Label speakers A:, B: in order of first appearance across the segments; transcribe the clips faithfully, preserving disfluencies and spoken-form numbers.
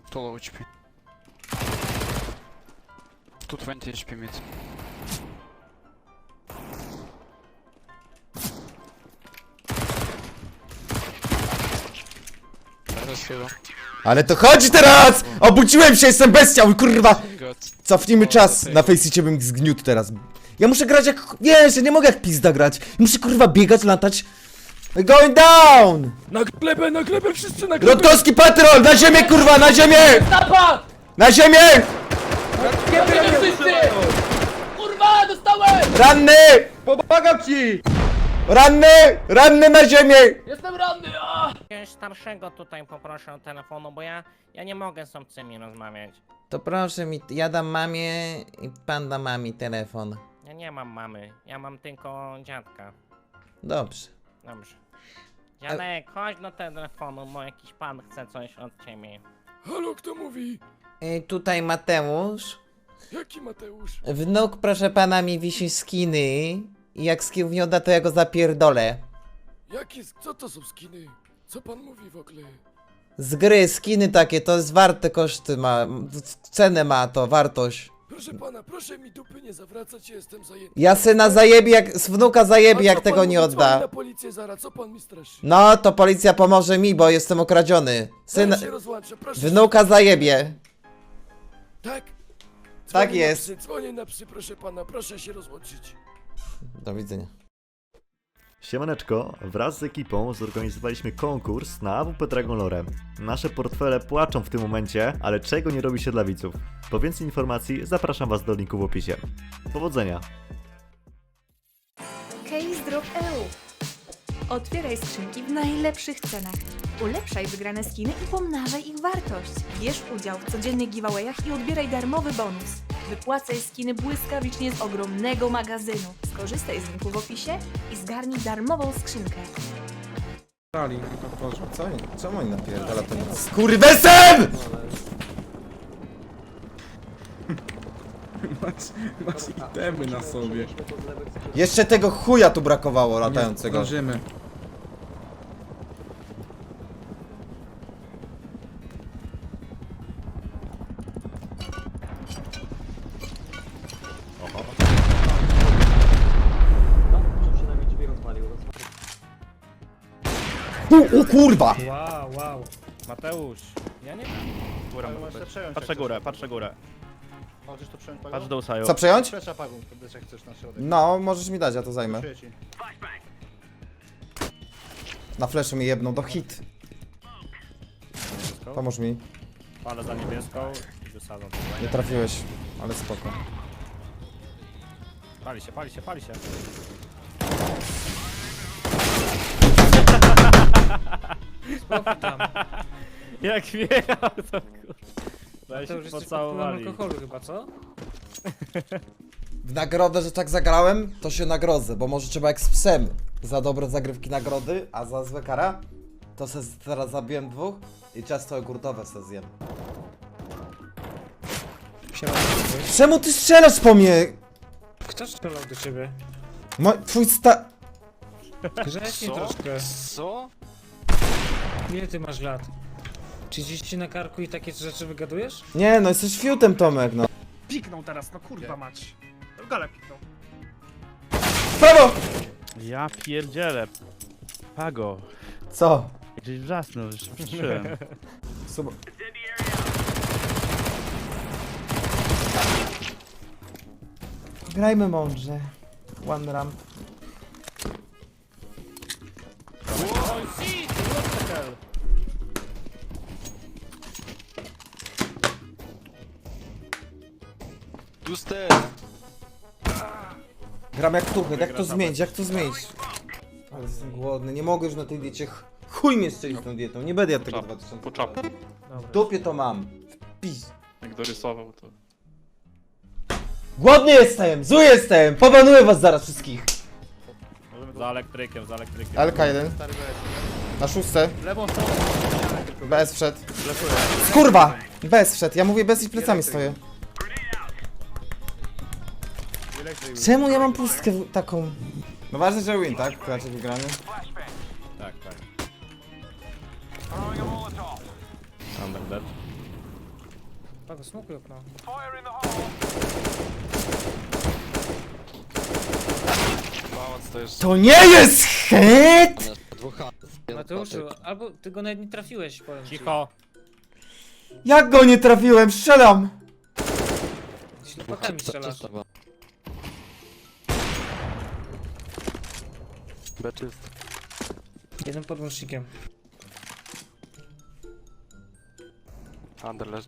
A: two low H P. two twenty H P mid.
B: Ale to chodzi teraz! Obudziłem się, jestem bestiał, kurwa!
A: God.
B: Cofnijmy czas, na Faceicie bym zgniótł teraz. Ja muszę grać jak... Wiesz, ja nie mogę jak pizda grać. Muszę kurwa biegać, latać. Going down!
C: Na glebę, na glebę, wszyscy na glebę!
B: Rutkowski patrol! Na ziemię, kurwa, na ziemię!
D: Napad!
B: Na ziemię!
D: Zabijcie wszyscy! Kurwa, dostałem!
B: Ranny!
C: Pomagam ci!
B: Ranny! Ranny na ziemię!
D: Jestem ranny! A!
E: Jakiegoś starszego tutaj poproszę o telefonu, bo ja, ja nie mogę z obcymi rozmawiać.
B: To proszę mi, ja dam mamie i pan da mami telefon.
E: Ja nie mam mamy, ja mam tylko dziadka.
B: Dobrze.
E: Dobrze. Dziadek, chodź do telefonu, bo jakiś pan chce coś od ciebie.
C: Halo, kto mówi?
B: I tutaj Mateusz.
C: Jaki Mateusz?
B: Wnuk, proszę pana, mi wisi skiny. I jak skin nie odda, to ja go zapierdolę.
C: Jaki, co to są skiny? Co pan mówi w ogóle?
B: Z gry, skiny takie, to jest warte koszty ma, cenę ma to, wartość.
C: Proszę pana, proszę mi dupy nie zawracać, ja jestem zajęty.
B: Ja syna zajebie, jak, z wnuka
C: A
B: zajebie,
C: co
B: jak
C: pan
B: tego nie
C: mówi? Dzwoni
B: odda.
C: na policję zaraz, co pan mi straszy?
B: No, to policja pomoże mi, bo jestem okradziony. Syn,
C: Zaraz się rozłączę, proszę.
B: wnuka zajebie.
C: Tak?
B: Tak
C: Dzwonię
B: jest.
C: Na psy, dzwonię na psy, proszę pana, proszę się rozłączyć.
B: Do widzenia.
F: Siemaneczko, wraz z ekipą zorganizowaliśmy konkurs na A W P Dragon Lore. Nasze portfele płaczą w tym momencie, ale czego nie robi się dla widzów? Po więcej informacji zapraszam was do linku w opisie. Powodzenia!
G: Case Drop E U. Otwieraj skrzynki w najlepszych cenach. Ulepszaj wygrane skiny i pomnażaj ich wartość. Bierz udział w codziennych giveawayach i odbieraj darmowy bonus. Wypłacaj skiny błyskawicznie z ogromnego magazynu. Skorzystaj z linku w opisie i zgarnij darmową skrzynkę.
B: Co oni? Czemu oni napierdala to nic? Skurwesem!
H: Masz, masz itemy na sobie.
B: Jeszcze tego chuja tu brakowało latającego.
H: Zdążymy.
B: U, o kurwa!
E: Wow, wow. Mateusz, ja nie... Górę patrzę górę, patrzę górę.
I: Możesz to przejąć,
E: Patrz do Usaju.
B: Co przejąć?
I: Przesza pagą, wtedy jak chcesz na środek.
B: No, możesz mi dać, ja to zajmę.
I: Czuję ci.
B: Na flesze mi jedną do hit. Pomóż mi.
E: Palę za niebieską i wysadzam.
B: Nie trafiłeś, ale spoko.
E: Pali się, pali się, pali się.
D: Spokój tam.
E: Jak wjechał to kur... Weź
D: To już
E: się
D: jesteś pod wpływem
E: pocałowali.
D: alkoholu chyba, co?
B: W nagrodę, że tak zagrałem, to się nagrodzę, bo może trzeba jak z psem. Za dobre zagrywki nagrody, a za złe kara, to se teraz zabiłem dwóch i ciasto jogurtowe se zjem. Czemu ty strzelasz po mnie?
D: Kto strzelał do ciebie?
B: Mo twój sta...
D: Grzeczniej troszkę.
A: Co?
D: Ile ty masz lat? trzydzieści na karku i takie rzeczy wygadujesz?
B: Nie no, jesteś fiutem, Tomek, no.
I: Piknął teraz, no kurwa mać. Gale piknął.
B: Prawo!
E: Ja pierdzielę. Pago.
B: Co?
E: Gdzieś wrzasnął, już się przyszedłem.
B: Sub... Grajmy mądrze. One ramp.
A: Two
B: Gram jak tuchy, jak to zmienić, jak to zmienić? Ale jestem głodny, nie mogę już na tej diecie. ch- Chuj mnie strzelić tą dietą, nie będę jadł tego dwa tysiące.
A: Po czapku.
B: W dupie to mam. W pis.
A: Jak dorysował to.
B: Głodny jestem, zły jestem, pobanuję was zaraz wszystkich.
E: Za elektrykiem, za elektrykiem.
B: L K jeden. Na szóste.
I: Lewą stroną.
B: B S wszedł. Skurwa! B S wszedł, ja mówię bez i plecami stoję. Czemu ja mam pustkę w- taką? No ważne, że win, tak? Raczej wygrany.
E: Tak, tak. Under dead.
D: Pago, smokuj okno.
A: Pałac to jest...
B: To nie jest hit!
D: Mateuszu, albo ty go nawet nie trafiłeś, powiem ci.
E: Cicho.
B: Jak go nie trafiłem? Strzelam!
D: Ślepakami strzelasz.
A: B czyst.
D: Jeden podłącznikiem.
A: Under leży.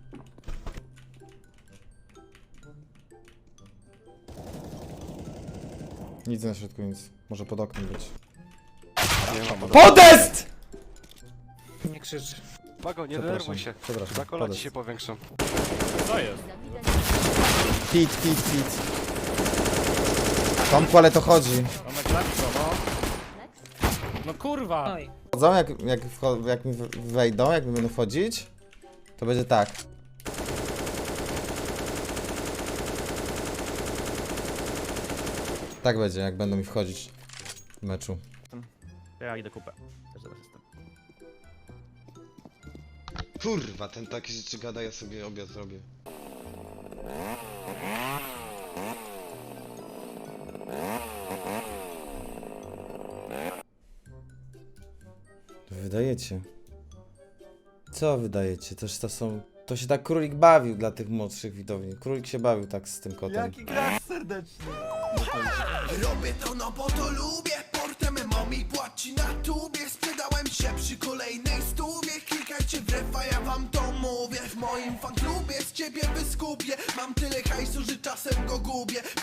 B: Nic na środku, nic. Może pod oknem być.
A: Nie ma pod...
B: Podest!
D: Nie krzycz.
A: Pago, nie
B: Przepraszam,
A: denerwuj się.
B: przepraszam,
A: Za kola ci
B: podest.
A: się powiększą.
E: Co jest?
B: Pit, pit, pit. Tomku, ale to chodzi.
E: Tomek, zabij go, no. No kurwa.
D: Oj.
B: Wchodzą, jak, jak, wcho- jak mi w- wejdą, jak mi będą wchodzić, to będzie tak. Tak będzie, jak będą mi wchodzić w meczu.
E: Ja idę kupę. Też zaraz jestem.
J: Kurwa, ten takie rzeczy gada, ja sobie obiad zrobię.
B: Wydajecie. Co wydajecie? Toż to są... To się tak królik bawił dla tych młodszych widowni. Królik się bawił tak z tym kotem.
C: Robię to no bo to lubię. Portem mami płaci na tubie. Sprzedałem się przy kolejnej stówie. Klikajcie w refa, ja wam to mówię. W moim fanklubie z ciebie wyskupię. Mam tyle hajsu, że czasem go gubię.